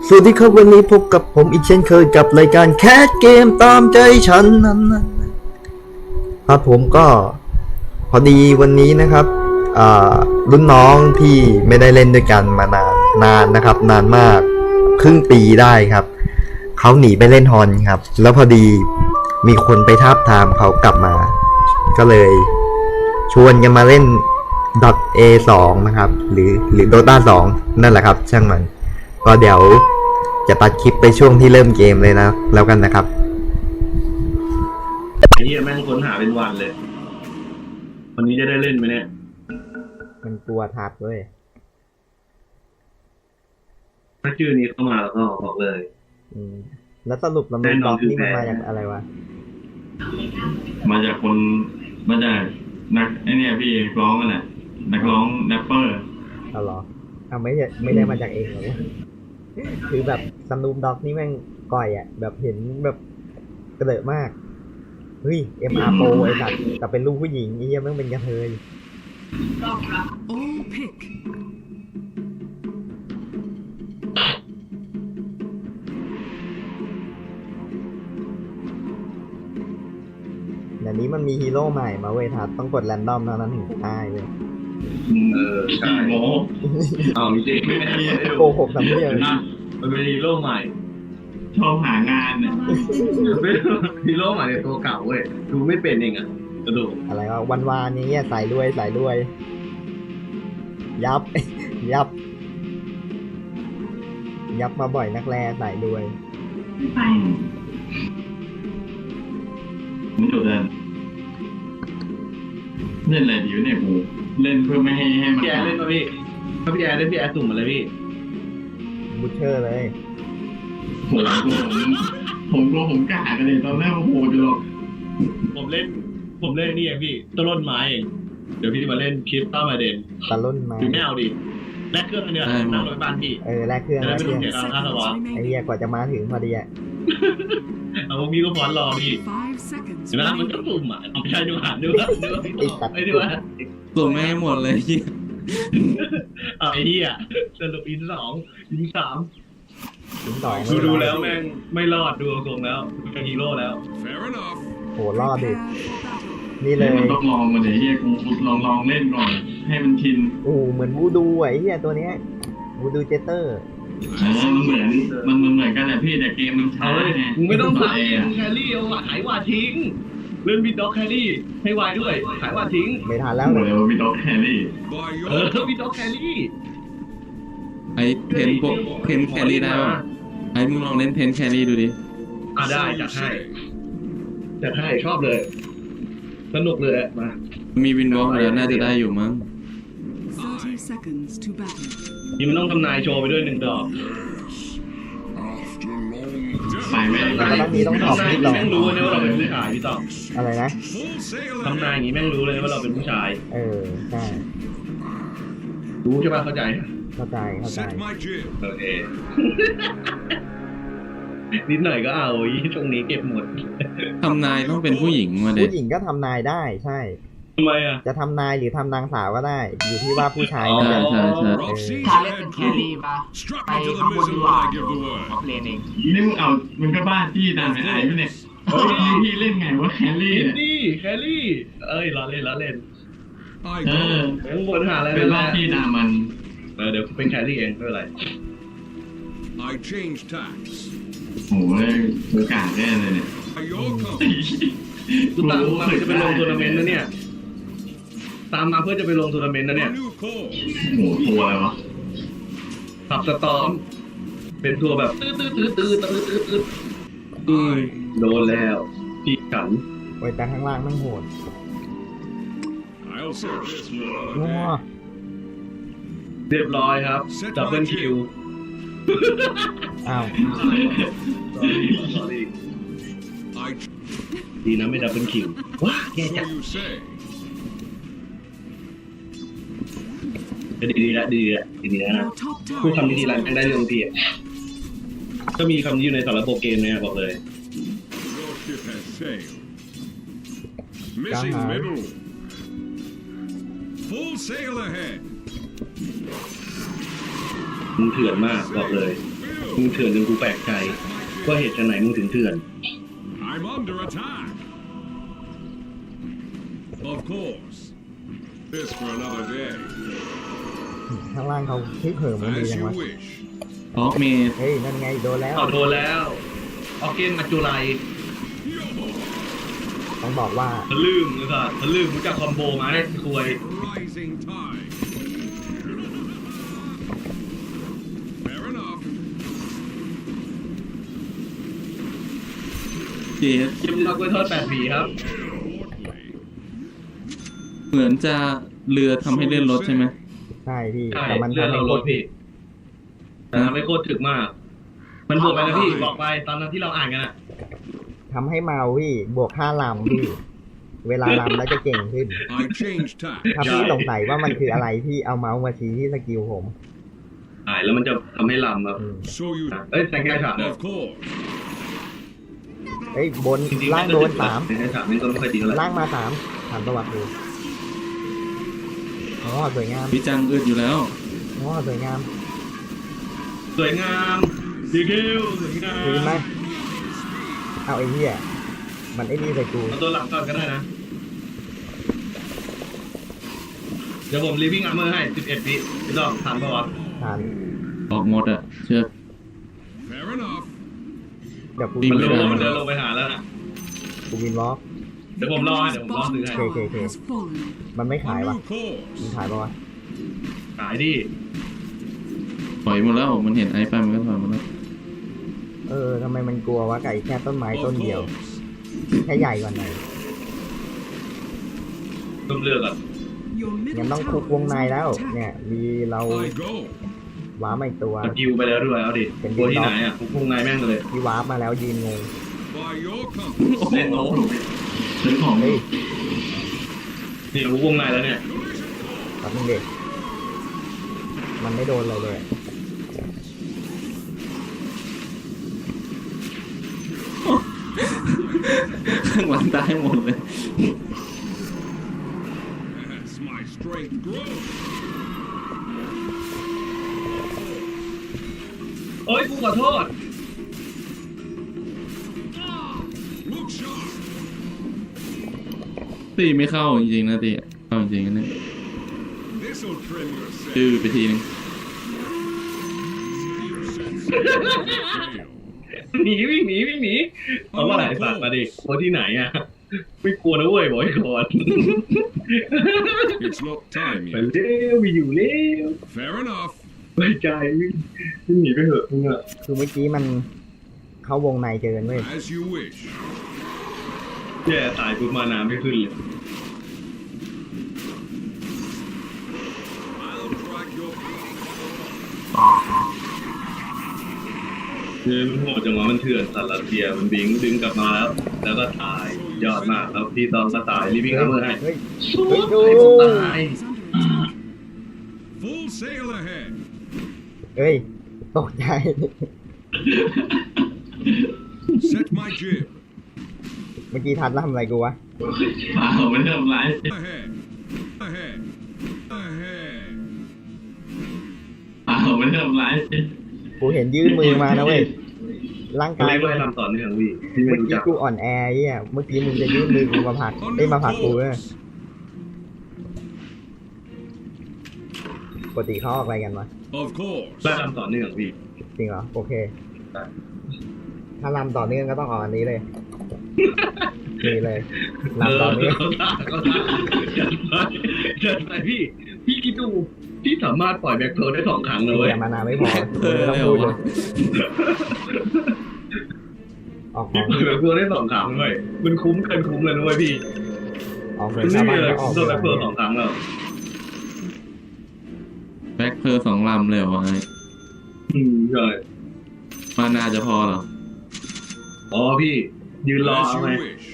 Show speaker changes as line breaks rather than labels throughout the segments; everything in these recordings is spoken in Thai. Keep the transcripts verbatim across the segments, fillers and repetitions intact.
สวัสดีครับวันนี้พบกับผมอีกเช่นเคยกับรายการแคสเกมตามใจฉันนั้นครับผมก็พอดีวันนี้นะครับอ่ารุ่นน้องที่ไม่ได้เล่นด้วยกันมานานนานนะครับนานมากครึ่งปีได้ครับเขาหนีไปเล่นฮอนครับแล้วพอดีมีคนไปทาบทามเขากลับมาก็เลยชวนกันมาเล่น .เอ สอง นะครับหรือหรือ Dota สอง นั่นแหละครับช่างมันก็เดี๋ยวจะตัดคลิปไปช่วงที่เริ่มเกมเลยนะแล้วกันนะครับ
ไอ้เหี้ยแม่งค้นหาเป็นวันเลยวันนี้จะได้เล่นไหมเนี่ย
มันกลัวทับเว้ย
ถ้าชื่อนี้เข้ามาแล้วก็บอกเลย
อืมแล้วสรุปลำดับด็อกนี่มันมาจากอะไรวะ
มาจากคนมาจากนักไอเนี่ยพี่ร้องกันแหละนักร้องแรปเปอร์
เอาหรอเอาไม่ไม่ได้มาจากเองหรอคือแบบสนุปด็อกนี่แม่งก่อยอ่ะแบบเห็นแบบกระเดอะมากเฮ้ย เอ็ม อาร์ Pro ไอ้สัตว์แต่เป็นลูกผู้หญิงไอ้เหี้ยแม่งเป็นกระเทยเดี๋ยวนี้มันมีฮีโร่ใหม่มาเว้ยทัดต้องกดแรนดอมเท่านั้นถึงจะได้เว้ย
เออใช่โมเอาจริงไม่ได้
โกหกสำเนียง
มันเป็นฮีโร่ใหม่
ชอบหางานเนี่ย
ฮีโร่ใหม่ในตัวเก่าเว้ยดูไม่เป็นเองอ่ะกระดูก
อะไรวะวันวานนี้ใส่ด้วยใส่ด้วยยับยับยับมาบ่อยนักแลใส่ด้วย
ไปไม่จบเลยเล่นอะไรดีวะเนี่ยกูเล่นเพื่อไม่ให้ให้มัน
พี่แอร์เล่นป่ะพี่ถ้าพี่แอร์เล่นพี่แอร์สุ่มมาเลยพี่
บูเชอร์เลย
ผมผมผมกลัวผมกล้ากันเลยตอนแรกโอ้โหจะหรอก
ผมเล่นผมเล่นนี่เองพี่ต้นไม้เองเดี๋ยวพี่มาเล่นคริสตัลมาเดน
ตะล่นไม้
คือไม่เอาดิแลกเครื่องอันเดียวนั่งรถบ้านพี่
เออแลกเครื่อง
แล้วไม่ต้องเสียค่าสวอป
ไอ้เหี้ยกว่าจะมาถึงพอดีอ่ะ
เอาพวกพี่ก็พอนรอพี่เห็นไหมมันก็สุ่มอ่ะเอาไปใช้ดูหันดูว่าดูว่าพี่ต่อไอ้ดูว่า
สุ่มไม่ให้หมดเลย
เอาไอ้เหี้ยสรุปอินสองอินสาม
ดู
ดูแล้วแม่งไม่รอดดูทรงแล้วเป็นฮีโร่แล้ว
โหรอดดินี่เลย
มันต้องลองมาเดี๋ยวเฮียกูลองลองเล่นก่อนให้มันชิน
โอ้เหมือนวูดูไอ้เหี้ยตัวเนี้ยวูดูเจเตอร์
เออมันเหมือนมันมันเหมือนกันแหละพี่แต่เกมมันช้าไง
มึงไม่ต้องขายแครี่เอาขายว่าทิ้งเล่นบิดด็อกแครี่ให้วายด้วยขายว่าทิ้ง
ไม่ทันแล้ว
เลยบิดด็อกแครี่
เออบิดด็อกแครี่
ไอเพนพวกเพนแครี่ได้ป่ะไอมึงลองเล่นเพนแครี่ดูดิ
อ่ะได้จัดให้จัดให้ชอบเลยสนุกเลยมา
มีวินวอล์กแล้วน่าจะได้อยู่มั้ง
นี่มันต้องทำนายโชว์ไปด้วยหนึ่งดอก
ไปไม่ได้
ตอนนี้ต้องทำ
ให้เราแม่งรู้เลยว่าเราเป็นผู้ชายพี่ต้อง
อะไรนะ
ทำนายอย่างนี้แม่งรู้เลยว่าเราเป็นผู้ชาย
เออใช่
รู้ใช่ป่ะเข้าใจ
เข้าใจเข้าใจ
โอเคนิดหน่อยก็เอาช่วงนี้เก็บหมด
ทำนายต้องเป็นผู้หญิงมาเด็ก
ผู้หญิงก็ทำนายได้ใช่
ทำไมอ่ะ
จะทำนายหรือทำนางสาวก็ได้อยู่ที่ว่าผู้ชาย
ใช่ใช่ใช่
ถ้าเล่นเป็นแครี่ป่ะไปข้างบนดีกว่าเอาเลนเอง
นี่มึงเอามึงก็บ้าจี้ตามไอ้ไอ้เนี่ยพี่เล่นไงว่าแครี่
นี่แครี่เอ้ยล้อเล่นล้อเล่น
เออ
ข้างบนหาอะไร
เป็นบ้าจี้ตามมัน
เออเดี๋ยวเป็นแครี่เองไม่เป็นไร
I change tax โอ้ยโอกาสแน่เลยเนี่ย
กูตามมาเพื่อจะไปลงทัวร์นาเมนต์นะเนี่ยตามมาเพื่อจะไปลงทัวร์นาเมนต์นะเนี่ย
โอ้โหทัวร์อะไรวะ
ขับสตอมเป็นทัวร์แบบตื้อตื้อตื้อตื้อตื้อตื้อตื้อตื้อโดนแล้วพี่ขัน
ไว้แต่ข้างล่างนั่งโหดงัว
เรียบร้อยครับดับเบิลคิว
อ้าว
ดีนะไม่ดับเบิลคิวว้าแย่จังดีดีละดีละดีละนะพูดคำดีๆแล้วได้เรื่องพี่ก็มีคำนี้อยู่ในสารโปรเกมเนี่ยบอกเลยมึงเถื่อนมากบอกเลยมึงเถื่อนจนกูแปลกใจว่าเหตุไหนมึงถึงเถื่อน
I'm under attack. Of course. This for another day.
ข้างล่างเขาที่เผิ่มมันดี
As
จัง
you
วะ
wish.
ออกเมด
เฮ้ยนั่นไงโดนแล้ว
เอาโดนแล้วออกเกนมาจุไล
ต้องบอกว่า
ทะลึ่งเลยค่ะทะลึ่งรู้จักคอมโบไหมคุย
Rising tide. Fair enough.
เจส
ชิมมากล้วยทอดแปดผีครับ
Portly.
เหมือนจะเรือทำให้เลื่อนรถใช่ไหม
ใช่พี่
ใช่
แต่มัน
เลื่อน
ทำให้
เรา
โค
ล
ต
ด
ร
พี่แต่ทำให้โคตรถึกมาก มันบวกไปนะพี่บอกไปตอนนั้นที่เราอ่านกันอะ
ทำให้เมาพี่บวกค่าลำพี่ เวลาลำแล้วจะเก่งขึ้น
I changed tack.
ถ้าพี่สงสัยว่ามันคืออะไรพี่เอาเมาส์มาชี้ที่สกิลผม
อ่านแล้วมันจะทำให้ลำครับ
อืม
So you.
เอ้ยแต่งแก้ฉาบ
Of course.
เฮ้ยบน
จริงๆ
ล่างโดนสาม
แต่งแก้ฉาบนี่ก็ไม่ค่อยดีเท่าไหร่
ล่างมาสามถามประวัติดูอ๋อสวยงาม
พี่จังอึดอยู่แล้ว
อ๋อสวยงาม
สวยงามดีคิวสวยงาม
ดีไหมเอาไอ้เหี้ยมันไอ้นี่ใส่กู
เอาตัวหลังก่อนก็ได้นะ เดี๋ยวผมรีวิ่งอาร์เมอร์ให้สิบเอ็ดวิพี่ต้องถามประวัติ
ทาน
ออกหมดอะเชือก
Fair enough.
เดี๋ยวกู
วิ่
มัน
ง
รู้
ไม่ได้
ว่ามันเดินลงไปหาแล้วนะ
กูวินวอล์ก
เดี๋ยวผมรอให้เดี๋ยวผมรอซื้อให้
โอเคโอเคโอเคมันไม่
A
ขายวะ
new course.
มันขายปะวะ
ขายดิ
ถอยหมดแล้ว มันเห็นไอ้ไปมันก็ถอยหมดแล้ว
เออทำไมมันกลัววะไก่แค่ต้นไม้
Of
ต้นเดียว
course.
แค่ใหญ่กว่าหน่อย
ต้องเลือกอ่ะ
งั้นต้องคุกวงในแล้ว เนี่ยมีเรา
I go.
ว้าร์ปมาอีกตัว
สกิลไปแล้วด้วยเอาดิ
เป็น
ตัวที่
เด็ก
ไหนอ่ะผมพุ่งไงแม่งเลย
ที่ว้าร์ปมาแล้วยืนงง
By your company.
เล่นโน้ต
ซื้อของ
เฮ้ย
นี่ผมพุ่งไงแล้วเนี่ย
แป๊บนึงเด็กมันไม่โดนอะไรเลย
ข้างหลังตายหมดเลย
As my strength grows.
โอ้ยกูขอโทษ
Look sharp.
ตีไม่เข้าจริงๆนะตีเข้าจริงๆนะเนี่ย
This'll trim your sail.
ดื้อไปทีนึง
หนีวิ่งหนีวิ่งหนีเอาว่าไหนสัตว์มาดิตัวที่ไหนอ่ะ ไม่กลัวนะเว้ยบอกให้ก่อน
It's not time
ไป
yet.
เร็วไปอยู่เร็ว
Fair enough.
ไว้ใจวิ่งวิ่งหนีไปเถอะมึงอ่ะ
คือเมื่อกี้มันเข้าวงในเกินเว้ย
As you wish.
แย่ตายปุ๊บมาน้ำไม่ขึ้นเลย
I'll track your
คือมันโหดจังหวะมันเถื่อนสัตว์รัสเซียมันบิงดึงกลับมาแล้ว แล้วก็ตายยอดมากแล้วพี่ตอนก็ตายรีบวิ่งอาร์เมอร์ให้
เฮ้ย
สู้
เฮ้ยดู
ให้ผมตาย
full sail ahead.
เฮ้ยตกใจ
Set my jib.
เมื่อกี้ทัดแล้วทำอะไรกูวะ
เปล่าไม่ได้ทำร้าย
Ahead. Ahead. Ahead.
เปล่าไม่ได้ทำร้าย
กูเห็นยื่นมือมานะเว้ย ร่าง
ก็
กา
เลย ยก็ให้ทำต่อเนื่องพี่ที่ไม่
เมื่อ
รู้
กี้
จัก
กูอ่อนแอเหี้ยเมื่อกี้มึงจะยื่นมือกูมาผลัก
A
ได้ย
new
มาผลักกูเนี่ย
course.
ปกติเขาออกอะไรกันวะ
Of course.
ได้ทำต่อเนื่องพี่
จริงเหรอ โอเค
ได้
ถ้าลำต่อเนื่องก็ต้องออกอันนี้เลยนี่เลย
เอ
ลำต่อ
อ
เนื่อง
เขาได้เขาได้จัดไปจัดไปพี่ พี่คิดดูพี่สามารถปล่อยแบ็คโทได้สองครั้งเลยเว้ย
แต่มานาไม่พอ
เออ
ไม่ต้อง
เร็ว
พูดเล
วะ
ยออกข
พี่
อง
ปล่อยแบ็คโทได้สองครั้งเลยมันคุ้มเกินคุ้มเลยนะเว้ยพี่
ออกเล
มั
ย
น
ชา
ไม่
ว
มี
บ้าน
อะไร
ก็อ
คุ้
อ
ม
ก
เท่าแบ็คโท
เลย
สองครั้งแล้ว
แบ็คเพอร์สองลำเลยเหรอวะไอ้
อืมใช่
มานาจะพอเหรอ
อ๋อพี่ ยืนรอ
As
เอา
you
ไง
wish.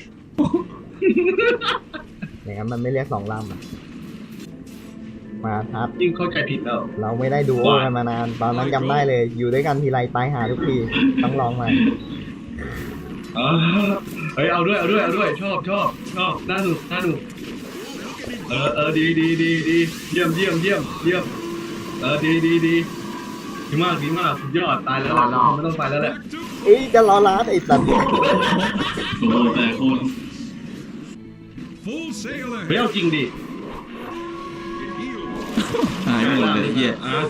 อย่างนั้นมันไม่เรียกสองลำอะมาทัด
ยิ่งเข้าใจผิดแล้ว
เราไม่ได้ดูโอกันมานาน ตอนนั้นจำได้เลย อยู่ด้วยกันทีไรตายหาทุกที ต้องลองใหม่
อ๋อเฮ้ยเอาด้วยเอาด้วยเอาด้วยชอบชอบชอบน่าดูน่าดูเออเออดีดีดีดีเยี่ยมเยี่ยมเยี่ยมเยี่ยมเออดีดีดีดีมากดีมากสุดยอดตายแล้วไม่ต้องไปแล้วแหละ
เอ้ยจะรอร้านไอ้สัตว์
โอ้โหแต่คน
Full sail
เฮ้ย
ahead.
เอาจริงดิ
It heals.
หายไปหมดเลยเฮีย
อ่ะ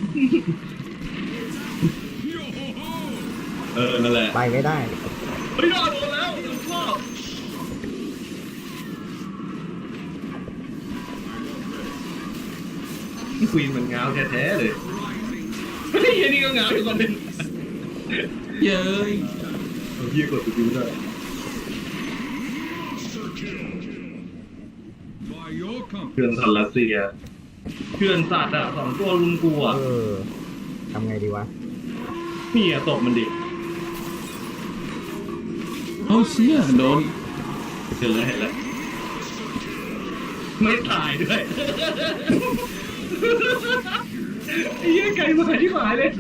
เออนั่นแหละ
ไปไม่ได้
เฮ้ยรอดโดนแล้วชอบควีนมันเงาแท้ๆเลยเฮ้ยอันนี้ก็เงาอีกคนหนึ่ง
เย้ย
เอาพี่กดสกิลด้วย
By your company.
เพื่อนสัตว์รัสเซียเพื่อนสัตว์อ่ะสองตัวลุมกูอ่ะ
เออทำไงดีวะ
นี่อ่ะตบมันดิ
เอาเชี่ยโดน
เห็นแล้วเห็นแล้วไม่ตายด้วยไอ้เหี้ยไก่มาที่หายเลย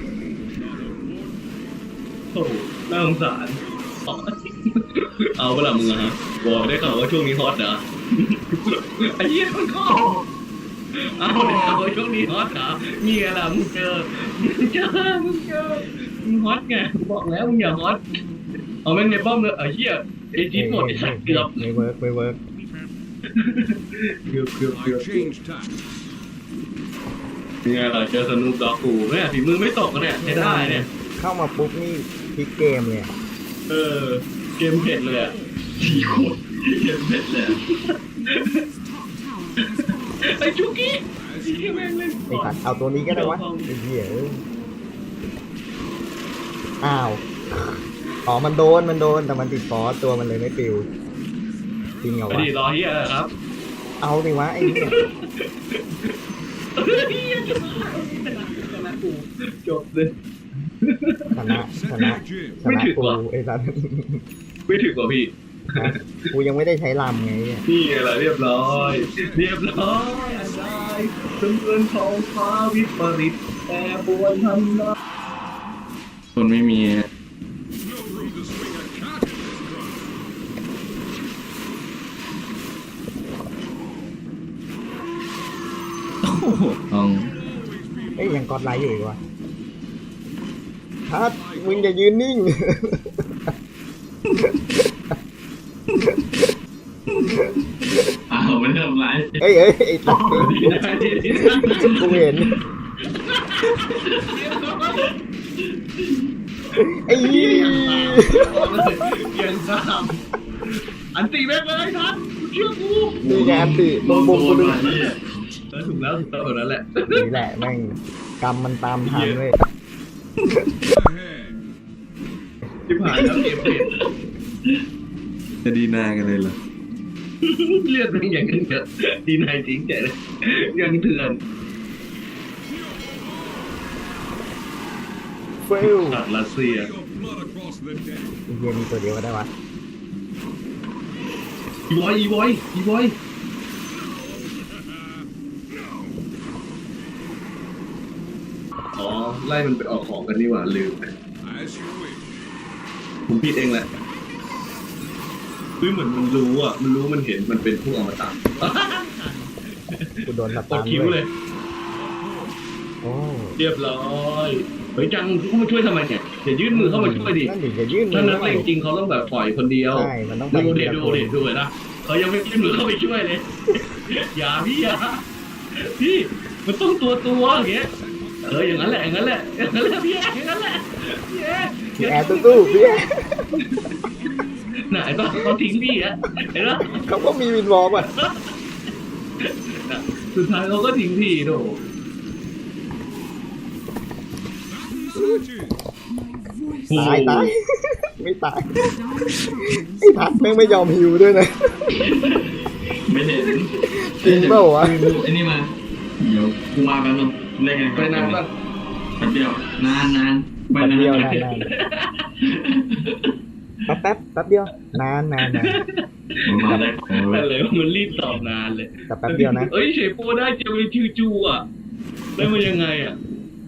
โอ้โหน่าสงสารเอาเวลามึงอะฮะบอกได้ข่าวว่าช่วงนี้ฮอตเหรอไอ้เหี้ยมันก็เอาได้ข่าวว่าช่วงนี้ฮอตเหรอเงี้ยล่ะมึงเจอมึงเจอมึงเจอมึงฮอตไงบอกแล้วมึงอย่าฮอตเอาแม่งในป้อมเลยไอ้เหี้ยไอ้จี๊ดหมดไอ้สัตว์เกือบ
ไม่เวิร์กไม่เวิร์ก
เกือบเกือบเกือบ
I changed tack.
เนี่ยเราเจอสนุกดอกกูแม่ฝีมือไม่ตกกันเนี่ยใช้ได้เนี่ย
เข้ามาปุ๊บนี่พลิกเกมเลยอะ
เออเกมเผ็ดเลยอ่ะ
สี่คนเจ็บเผ็ดเลย
ไอ้จุกี้ไอ้เหี้ยแม่งเล่น
ไอ้สัตว์เอาตัวนี้ก็ได้วะไอ้เหี้ยเอ้ยอ้าวอ๋อมันโดนมันโดนแต่มันติดฟอสตัวมันเลยไม่ปิวจริงเหรอ
ไป
วะ
ดิรอเฮียครับ
เอาดิวะไอ้เนี่ย
เฮียจะมาชนะชนะกูจบเลย
ชนะชนะ
Set your jib.
ชนะกูไอ้สัตว์
ไม่ถึงกว่าพี่
นะกูยังไม่ได้ใช้ลำไงเนี่ย
นี่ไงล่ะเรียบร้อย เรียบร้อยอันได้จำเริญทองฟ้าวิปริตแต่ปวนทำได้
คนไม่มี
No room to swing a cat in this drum.
โอ้โหเอา
เอ้ยยังกอดไลท์อยู่อีกวะทัดมึงอย่ายืนนิ่ง
อ้าวไม่ทำไร
เอ้ยเอ้ยไอ้ตัด
ดีได้ดีได้
กูเห็นไอ้ยี่
ยังตามอันตีแม่งเลยทันเชื่อกู
มีงานสิตรงบุกกูดู
นี่
แล้วถูกแล้วถูกต้องแบบนั้นแหละ
นี่แหละแม่งกรรมมันตามทันเว้ย
Ahead.
ที่ผ่านแล้วเกมเปลี่ยน
จะดีหน้ากันเลยเหรอ
เลือดเป็นอย่างนั้นเถอะดีนายจริงใจเลยยังเถื่อน
เฟิล
สัตว์รัสเซีย
Your blood across the deck.
เฮียมีตัวเดียวก็ได้วะ
อีวอยอีวอยอีวอยอ๋อไล่มันไปออกของกันนี่หว่าลืมไป
As you wish.
ผมผิดเองแหละคือเหมือนมันรู้อ่ะมันรู้มันเห็นมันเป็นผู้อมตะ
กูโดนส
ก
ตั
ด
น
คิ้ว
ด้ว
เลย ย
โอ้
เรียบร้อยเฮ้ยจังเข้ามาช่วยทำไมเนี่ยอย่ายื่นมือเข้ามาช่วยดิ
นั่นดิอย่ายื่นมื
ถ้า
อ
นัก
เข้า
เล
ไป
งจริงเขาต้องแบบปล่อยคนเดียว
ใช่มันต้องไป
ดูเด็
ทีละ
ดู
คน
เด็ดูเลยนะเขายังไม่ยื่นมือเข้าไปช่วยเลย อย่าพี่อย่าพี่มันต้องตัวตัวอย่างเงี้ยเอออย่างนั้นแหละอย่างนั้นแหละอย่างนั้นแหละพี่แออย่างนั้นแหละพี่แอ
พี่แอร์ตู้ๆพี่แอร์
ไหนบ้างเขาทิ้งพี่อะเห็นไหม
เขาก็มีวินวอล์กอ่ะ
สุดท้ายเขาก็ทิ้งพี่โด
That's what it is.
ตายตายไม่ตายไอ้พัดแม่งไม่ยอมฮิวด้วยนะ
ไม่เห็น
จริงเปล่าวะ
ไอ้นี่มาเดี๋ยวกูมาแป๊บนึงเล่นกัน
ไปนานป่ะ
แป๊บเดียวนานนานไป
แป๊บ
นาน
เดียวนานนานแป๊บแป๊บแป๊บเดียวนานนานนาน
ผมมาได้ของเล
แต่
ย
เลยมันรีบตอบนานเลย
แต่แป๊บเดียวนะ
เอ้ยเฉยโปได้เจวิชิวจูอ่ะได้มายังไงอ่ะ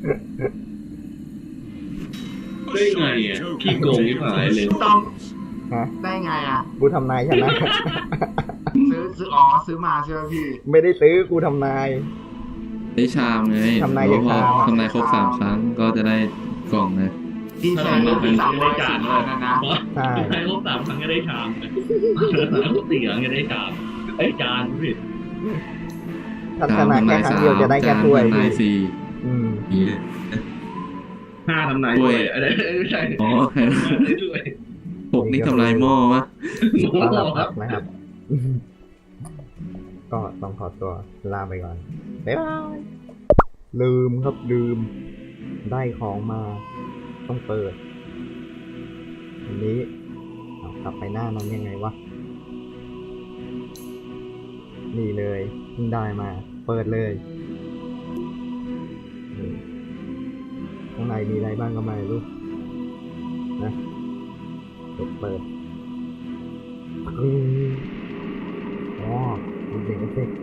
ได้ไงอ่ะขี้โกงที่หายเลย
ต้อง
ฮะ
ได้ไงอ่ะ
กูทำนายชนะ
ซื้อซื้ออ๋อซื้อมาใช่ไหมพี่
ไม่ได้ซื้อกูทำนาย
ได้ชามไง
ทำนาย
แล้วพอ
จากชามอะ
ทำนายครบสามครั้งก็จะได้กล่องนะ
ที่แสนเป็นสามร้อยสี่พันนะนะ
ใช่
ใช้ครบสามครั้งก็ได้ชามครบสี่ครั้งก็ได้ชามไอ้ยจานพี่
ถ้าชนะแค่ครั้งเดียวจะได้แค่ถ้วย
ทำนาย
พี่
สี่
อืม
ห้าทำนายด้วยอะไรไม่ใช่
อ๋อ
ด้วย
หกนี่ทำลายหม้อวะ
โอ้
ต้อน
โห
รับ
ค
ค
รั
รั
บบ
นะครับ ก็ต้องขอตัวลาไปก่อน บ๊ายบาย ลืมครับลืม ได้ของมา ต้องเปิด อันนี้เอากลับไปหน้านั้นยังไงวะ นี่เลยเพิ่งได้มา เปิดเลยนี่ข้างในมีอะไรบ้างก็ไม่รู้นะกดเปิดอืมอ๋อมีเสียงเอฟเฟกต์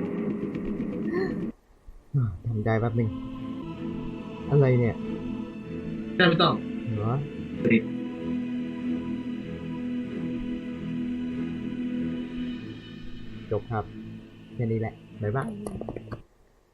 อ่ะทำใจแป๊บหนึง อะไรเนี่ย
ใช่ไม่ต้อง
เหรอจบครับ แค่นี้แหละ บ๊ายบาย